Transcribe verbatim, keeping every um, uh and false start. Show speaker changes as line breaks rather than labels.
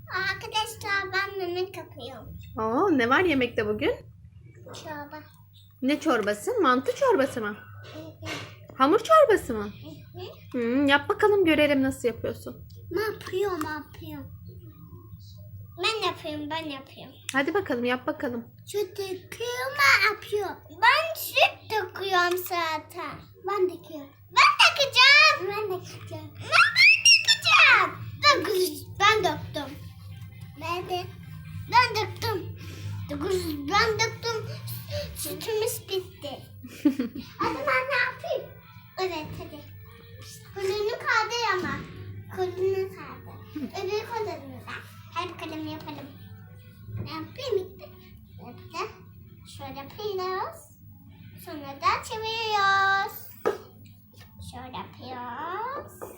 Arkadaşlar ben yemek yapıyorum.
Oo, ne var yemekte bugün?
Çorba.
Ne çorbası? Mantı çorbası mı? Hamur çorbası mı? Hmm, yap bakalım görelim nasıl yapıyorsun.
Ne yapıyorum, ne yapıyorum? Ben yapıyorum, ben yapıyorum.
Hadi bakalım yap bakalım.
Süt döküyorum, ben yapıyorum. Ben süt döküyorum zaten. Ben döküyorum. Ben dökeceğim. Ben dökeceğim. Ben, ben dökeceğim. Döküz, ben döktüm. Ben de. Ben döktüm. Döküz, ben döktüm. Sütümüz bitti. Hadi ben ne yapayım? Evet hadi. Kolunu kaldır ama. Kolunu kaldır. Öbür kolunu da. Her kalemi yapalım. Ne yapayım işte? Yapacağım. Şöyle yapıyoruz. Sonra da çeviriyoruz. Şöyle yapıyoruz.